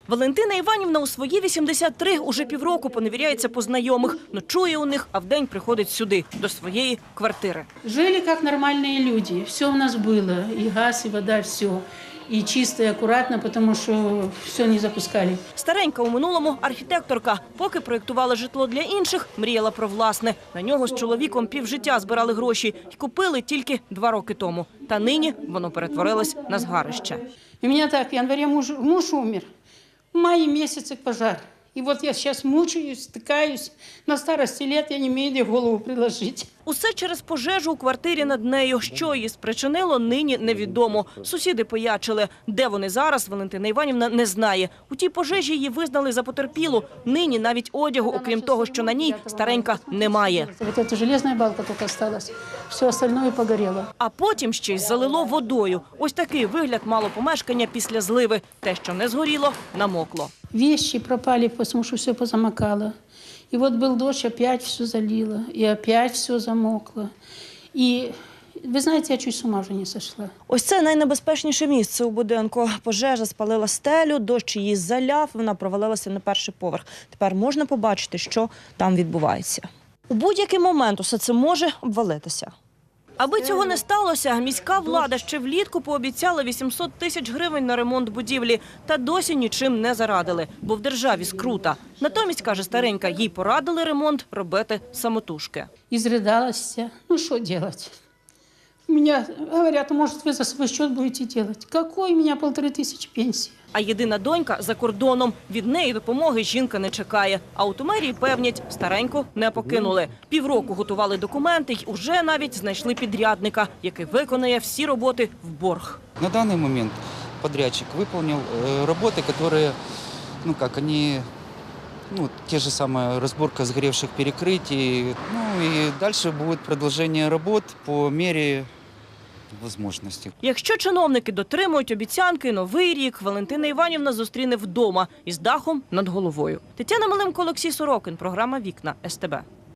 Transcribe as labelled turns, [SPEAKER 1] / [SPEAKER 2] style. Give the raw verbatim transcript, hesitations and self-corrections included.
[SPEAKER 1] Валентина Іванівна у свої вісімдесят три уже півроку поневіряється по знайомих, ночує у них, а вдень приходить сюди, до своєї квартири.
[SPEAKER 2] Жили як нормальні люди, все у нас було, і газ, і вода, все. І чисто, і акуратно, тому що все не запускали.
[SPEAKER 1] Старенька у минулому архітекторка. Поки проєктувала житло для інших, мріяла про власне. На нього з чоловіком півжиття збирали гроші і купили тільки два роки тому. Та нині воно перетворилось на згарище.
[SPEAKER 2] У мене так, в январі муж, муж умер, в маї місяці пожар. І от я зараз мучаюсь, стикаюсь. На старості літ я не маю де голову приложити.
[SPEAKER 1] Усе через пожежу у квартирі над нею. Що її спричинило, нині невідомо. Сусіди поячили. Де вони зараз, Валентина Іванівна не знає. У тій пожежі її визнали за потерпілу. Нині навіть одягу, окрім того, що на ній, старенька немає.
[SPEAKER 2] Ось ця железна балка тільки залишилась. Все остальное погоріло.
[SPEAKER 1] А потім ще й залило водою. Ось такий вигляд мало помешкання після зливи. Те, що не згоріло, намокло.
[SPEAKER 2] Вещи пропали, потому что все позамокало. И вот был дождь, опять все залило, и опять все замокло. И вы знаете, я чуть с ума вже не сошла.
[SPEAKER 1] Ось це найнебезпечніше місце у будинку. Пожежа спалила стелю, дощ її заляв, вона провалилася на перший поверх. Тепер можна побачити, що там відбувається. У будь-який момент усе це може обвалитися. Аби цього не сталося, міська влада ще влітку пообіцяла вісімсот тисяч гривень на ремонт будівлі. Та досі нічим не зарадили, бо в державі скрута. Натомість, каже старенька, їй порадили ремонт робити самотужки.
[SPEAKER 2] Изрыдалась. Ну, что делать? Меня говорят, может, вы за свой счет будете делать. Какой у меня полторы тысячи пенсии?
[SPEAKER 1] А єдина донька за кордоном. Від неї допомоги жінка не чекає. А у мерії певнять, стареньку не покинули. Півроку готували документи й уже навіть знайшли підрядника, який виконає всі роботи в борг.
[SPEAKER 3] На данный момент подрядчик выполнил э, работы, которые, ну как, они, ну, те же самые разборка сгоревших перекрытий. Ну и дальше будет продолжение работ по мере возможностей.
[SPEAKER 1] Якщо чиновники дотримують обіцянки, Новий рік Валентина Іванівна зустріне вдома із дахом над головою. Тетяна Малимко, Олексій Сорокин. Програма «Вікна» ес те бе.